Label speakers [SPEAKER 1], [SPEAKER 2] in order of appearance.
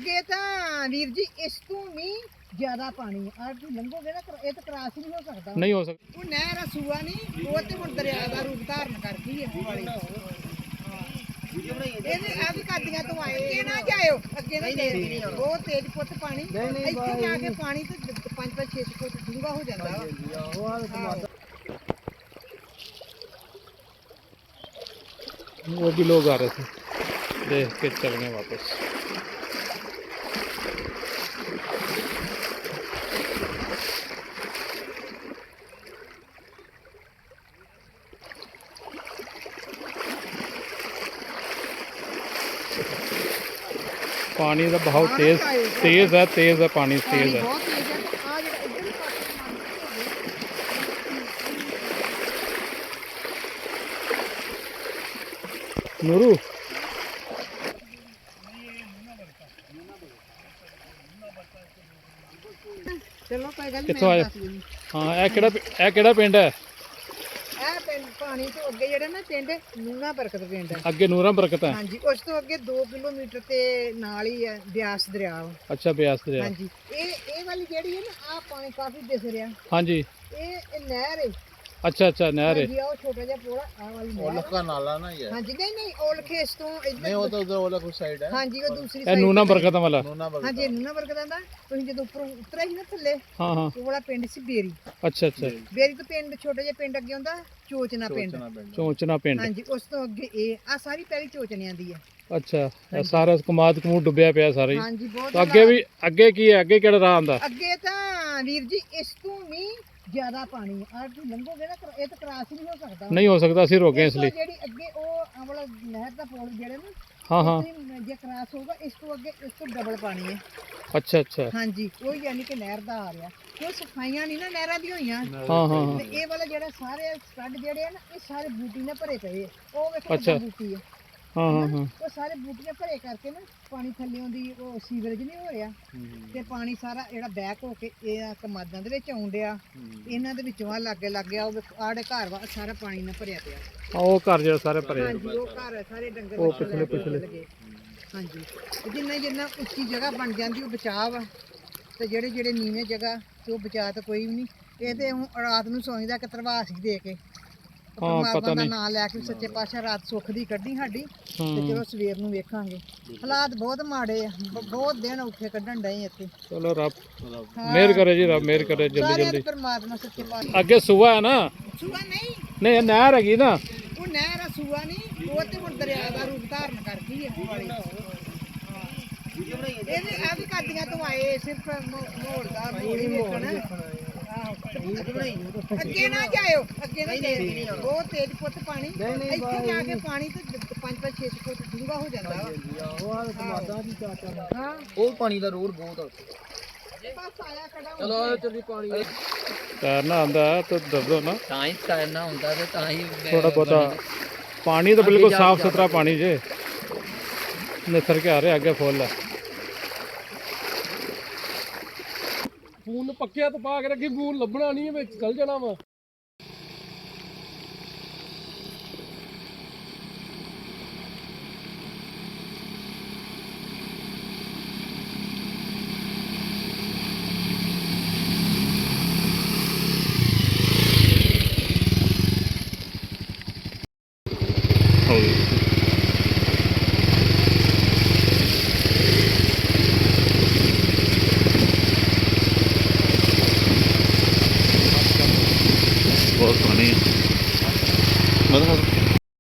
[SPEAKER 1] ਅੱਗੇ ਤਾਂ ਵੀਰ ਜੀ ਇਸ ਤੋਂ ਵੀ ਜ਼ਿਆਦਾ ਪਾਣੀ ਆ ਤੁਸੀਂ ਲੰਘੋਗੇ ਨਾ ਇਹ ਤਾਂ ਕ੍ਰਾਸ ਨਹੀਂ ਹੋ ਸਕਦਾ।
[SPEAKER 2] ਨਹੀਂ ਹੋ ਸਕਦਾ।
[SPEAKER 1] ਉਹ ਨਹਿਰ ਆ ਸੂਆ ਨਹੀਂ, ਉਹ ਤੇ ਹੁਣ ਦਰਿਆ ਦਾ ਰੂਪ ਧਾਰਨ ਕਰ ਗਈ ਹੈ ਵਾਲੀ। ਇਹਦੇ ਆ ਵੀ ਕਾਦੀਆਂ ਤੋਂ ਆਏ, ਅੱਗੇ ਨਾ ਜਾਇਓ, ਅੱਗੇ ਨਾ ਜਾਇਓ, ਬਹੁਤ ਤੇਜ਼ ਪੁੱਤ ਪਾਣੀ। ਇੱਥੇ ਜਾ ਕੇ ਪਾਣੀ ਤੇ 5-6 ਫੁੱਟ ਡੂੰਘਾ ਹੋ ਜਾਂਦਾ ਵਾ।
[SPEAKER 2] वो भी लोग आ रहे थे, देख के चल गए वापस। पानी का बहाव तेज है पानी तेज है।
[SPEAKER 1] बहुत तेज है। आ ਜਿਹੜਾ ਇੱਧਰ ਪਾਸੇ
[SPEAKER 2] नूरू
[SPEAKER 1] ਚਲੋ ਕੋਈ ਗੱਲ
[SPEAKER 2] ਕਿੱਥੋਂ ਆਏ? हाँ ਇਹ ਕਿਹੜਾ ਪਿੰਡ ਹੈ?
[SPEAKER 1] ਇਹ ਪਿੰਡ ਪਾਣੀ ਤੋਂ ਅੱਗੇ ਜਿਹੜਾ ਨਾ ਪਿੰਡ ਨੂਨਾ ਬਰਕਤ ਪਿੰਡ ਹੈ।
[SPEAKER 2] ਅੱਗੇ ਨੂਰਾਂ ਬਰਕਤ ਹੈ।
[SPEAKER 1] ਹਾਂਜੀ ਉਸ ਤੋਂ ਅੱਗੇ 2 ਕਿਲੋਮੀਟਰ ਤੇ ਨਾਲ ਹੀ ਹੈ ਬਿਆਸ ਦਰਿਆ ਵਾ।
[SPEAKER 2] ਅੱਛਾ ਬਿਆਸ ਦਰਿਆ।
[SPEAKER 1] ਹਾਂਜੀ ਇਹ ਵਾਲੀ ਜਿਹੜੀ ਹੈ ਨਾ ਆ ਪਾਣੀ ਕਾਫੀ ਦਿਸ ਰਿਹਾ।
[SPEAKER 2] ਹਾਂਜੀ
[SPEAKER 1] ਇਹ ਨਹਿਰ ਹੈ।
[SPEAKER 2] अच्छा अच्छा नहर है।
[SPEAKER 1] ਹਾਂਜੀ ਉਹ ਛੋਟਾ ਜਿਹਾ ਪੋੜਾ ਆ ਵਾਲੀ ਨਹਿਰ
[SPEAKER 3] ओलख का नाला ना ये
[SPEAKER 1] ਹਾਂਜੀ ਨਹੀਂ ओलख ਇਸ ਤੋਂ
[SPEAKER 3] नहीं
[SPEAKER 1] ਇੱਧਰ
[SPEAKER 3] वो तो उधर ओलख उस साइड है
[SPEAKER 1] ਹਾਂਜੀ ਉਹ ਦੂਸਰੀ
[SPEAKER 2] ਇਹ
[SPEAKER 1] ਸਾਈਡ
[SPEAKER 2] ਨੂਨਾ ਬਰਕਤ ਵਾਲਾ।
[SPEAKER 3] नूना बगल
[SPEAKER 1] ਹਾਂਜੀ ਨੂਨਾ ਬਰਕਤ ਦਾ ਤੁਸੀਂ ਜਦੋਂ ਉੱਪਰੋਂ ਉਤਰਿਆ ਸੀ ਨਾ ਥੱਲੇ
[SPEAKER 2] हाँ हाँ
[SPEAKER 1] ਉਹ ਵਾਲਾ ਪਿੰਡ ਸੀ ਬੇਰੀ।
[SPEAKER 2] अच्छा अच्छा
[SPEAKER 1] ਬੇਰੀ ਤੋਂ ਪਿੰਡ ਛੋਟਾ ਜਿਹਾ ਪਿੰਡ ਅੱਗੇ ਹੁੰਦਾ ਚੋਚਨਾ ਪਿੰਡ।
[SPEAKER 3] चोचना पिंड
[SPEAKER 2] चौंचना पिंड।
[SPEAKER 1] ਹਾਂਜੀ ਉਸ ਤੋਂ ਅੱਗੇ ਇਹ ਆ ਸਾਰੀ ਪਹਿਲੀ ਚੋਚਨਿਆਂ ਦੀ ਹੈ।
[SPEAKER 2] अच्छा ਇਹ ਸਾਰਾ ਕਮਾਦ ਕਮੂਦ ਡੁੱਬਿਆ ਪਿਆ ਸਾਰਾ ਹੀ।
[SPEAKER 1] ਹਾਂਜੀ ਬਹੁਤ
[SPEAKER 2] ਤਾਂ ਅੱਗੇ ਵੀ ਅੱਗੇ ਕੀ ਹੈ? ਅੱਗੇ ਕਿਹੜਾ ਰਾਹ ਆਂਦਾ?
[SPEAKER 1] ਅੱਗੇ ਤਾਂ ਵੀਰ ਜੀ ਇਸ ਤੋਂ ਵੀ ਜ਼ਿਆਦਾ ਪਾਣੀ ਆ ਤੁਸੀਂ ਲੰਘੋਗੇ ਨਾ ਇਹ ਤਾਂ ਕ੍ਰਾਸ ਨਹੀਂ ਹੋ ਸਕਦਾ।
[SPEAKER 2] ਨਹੀਂ ਹੋ ਸਕਦਾ, ਅਸੀਂ ਰੁਕ ਗਏ ਇਸ ਲਈ।
[SPEAKER 1] ਜਿਹੜੀ ਅੱਗੇ ਉਹ ਆਹ ਵਾਲਾ ਨਹਿਰ ਦਾ ਪੁਲ ਜਿਹੜੇ ਨਾ
[SPEAKER 2] हाँ हाँ
[SPEAKER 1] ਉੱਥੇ ਜੇ ਕ੍ਰਾਸ ਹੋਊਗਾ ਇਸ ਤੋਂ ਅੱਗੇ ਇਸ ਤੋਂ ਡਬਲ ਪਾਣੀ ਹੈ।
[SPEAKER 2] अच्छा अच्छा
[SPEAKER 1] ਹਾਂਜੀ ਉਹ ਯਾਨੀ ਕਿ ਨਹਿਰ ਦਾ ਆ ਰਿਹਾ। ਕੋਈ ਸਫਾਈਆਂ ਨਹੀਂ ਨਾ ਨਹਿਰਾਂ ਦੀ ਹੋਈਆਂ।
[SPEAKER 2] हाँ हाँ हाँ
[SPEAKER 1] ਤੇ ਇਹ ਵਾਲਾ ਜਿਹੜਾ ਸਾਰੇ ਸਟੱਡ ਜਿਹੜੇ ਆ ਨਾ ਇਹ ਸਾਰੇ ਬੂਟੀ ਨਾਲ ਭਰੇ ਪਏ ਆ। ਉਹ ਵੇਖੋ
[SPEAKER 2] ਅੱਛਾ।
[SPEAKER 1] ਬੂਟੀ ਹੈ
[SPEAKER 2] हाँ हाँ हाँ
[SPEAKER 1] ਉਹ ਸਾਰੇ ਬੂਟੀਆਂ ਭਰੇ ਕਰਕੇ ਨਾ ਪਾਣੀ ਥੱਲਿਓਂ ਦੀ ਉਹ ਸੀਵਰੇਜ ਨਹੀਂ ਹੋ ਰਿਹਾ ਤੇ ਪਾਣੀ ਸਾਰਾ ਜਿਹੜਾ ਬੈਕ ਹੋ ਕੇ ਇਹ ਕਮਾਦਾਂ ਦੇ ਵਿੱਚ ਆਉਣ ਡਿਆ। ਇਹਨਾਂ ਦੇ ਵਿੱਚੋਂ ਆ ਲੱਗੇ ਉਹ ਆੜੇ ਘਰ ਵਾ ਸਾਰਾ ਪਾਣੀ ਨਾਲ ਭਰਿਆ ਪਿਆ।
[SPEAKER 2] ਉਹ ਘਰ ਜਿਹੜਾ ਸਾਰੇ ਭਰੇ।
[SPEAKER 1] ਹਾਂਜੀ ਉਹ ਘਰ ਸਾਰੇ ਡੰਗਰ
[SPEAKER 2] ਉਹ
[SPEAKER 1] ਬੱਚੇ
[SPEAKER 2] ਪਿਛਲੇ
[SPEAKER 1] ਲੱਗੇ। ਹਾਂਜੀ ਜਿੰਨਾ ਉੱਚੀ ਜਗ੍ਹਾ ਬਣ ਜਾਂਦੀ ਉਹ ਬਚਾਅ ਵਾ ਤੇ ਜਿਹੜੇ ਨੀਵੇਂ ਜਗ੍ਹਾ ਤੇ ਉਹ ਬਚਾਅ ਤਾਂ ਕੋਈ ਵੀ ਨਹੀਂ। ਇਹ ਤੇ ਹੁਣ ਰਾਤ ਨੂੰ ਸੌਂਦਾ ਕਿ ਤਰਵਾਸ ਦੇ ਕੇ
[SPEAKER 2] ਪਤਾ
[SPEAKER 1] ਦਾ
[SPEAKER 2] ਨਹੀਂ।
[SPEAKER 1] ਨਾਂ ਲੈ ਕੇ ਸੱਚੇ ਪਾਤਸ਼ਾਹ ਰਾਤ ਸੁੱਖ ਦੀ ਕੱਢੀ ਸਾਡੀ ਤੇ
[SPEAKER 2] ਹਾਂ
[SPEAKER 1] ਚਲੋ ਸਵੇਰ ਨੂੰ ਵੇਖਾਂਗੇ। ਹਾਲਾਤ ਬਹੁਤ ਮਾੜੇ ਆ ਬਹੁਤ ਦਿਨ ਔਖੇ ਕੱਢਣ ਡਏ ਇੱਥੇ।
[SPEAKER 2] ਚਲੋ ਰੱਬ
[SPEAKER 1] ਹਾਂ।
[SPEAKER 2] ਮਿਹਰ ਕਰੇ ਜੀ, ਰੱਬ ਮਿਹਰ ਕਰੇ ਜਲਦੀ
[SPEAKER 1] ਸਾਰਿਆਂ ਦੇ
[SPEAKER 2] ਜਲਦੀ।
[SPEAKER 1] ਪਰਮਾਤਮਾ ਸੱਚੇ ਪਾਤਸ਼ਾਹ।
[SPEAKER 2] ਅੱਗੇ ਸੂਆ ਹੈ ਨਾ?
[SPEAKER 1] ਸੂਆ ਨਹੀਂ,
[SPEAKER 2] ਨਹੀਂ ਇਹ ਨਹਿਰ ਹੈਗੀ ਨਾ।
[SPEAKER 1] ਉਹ ਨਹਿਰ ਆ ਸੂਆ ਨਹੀਂ, ਉਹ ਤੇ ਹੁਣ ਦਰਿਆ ਦਾ ਰੂਪ ਧਾਰਨ ਕਰ ਗਈ ਹੈ ਵਾਲੀ। ਇਹਦੇ ਆ ਵੀ ਕਾਦੀਆਂ ਤੋਂ ਆਏ ਸਿਰਫ ਮੋੜ ਦਾ ਮੋੜੀ ਵੇਖਣ। ਅੱਗੇ ਨਾ ਜਾਇਓ, ਅੱਗੇ ਨਾ ਜਾਇਓ, ਬਹੁਤ ਤੇਜ਼ ਪੁੱਤ ਪਾਣੀ। ਇੱਥੇ ਜਾ ਕੇ ਪਾਣੀ ਤੇ 5-6 ਫੁੱਟ ਡੂੰਘਾ ਹੋ ਜਾਂਦਾ ਵਾ। ਹਾਂ
[SPEAKER 3] ਉਹ ਪਾਣੀ ਦਾ ਰੋਡ ਬਹੁਤ ਆ
[SPEAKER 1] ਬਸ ਆਇਆ ਖੜਾ
[SPEAKER 3] ਚਲੋ ਚੱਲੀ ਪਾਣੀ
[SPEAKER 2] ਤੈਰਨਾ ਆਂਦਾ ਤਾਂ ਦੱਸੋ ਨਾ।
[SPEAKER 3] ਤਾਂ ਹੀ ਤੈਰਨਾ ਹੁੰਦਾ ਤੇ ਤਾਂ ਹੀ
[SPEAKER 2] थोड़ा बहुत पानी तो बिल्कुल साफ सुथरा पानी जे निथर के आ रहे आगे फुल है।
[SPEAKER 4] ਫੋਨ ਪੱਕਿਆ ਤੋਂ ਪਾ ਕੇ ਰੱਖੀ, ਫੋਨ ਲੱਭਣਾ ਨਹੀਂ ਵਿੱਚ ਚਲ ਜਾਣਾ ਵਾ।
[SPEAKER 2] बहुत पानी है।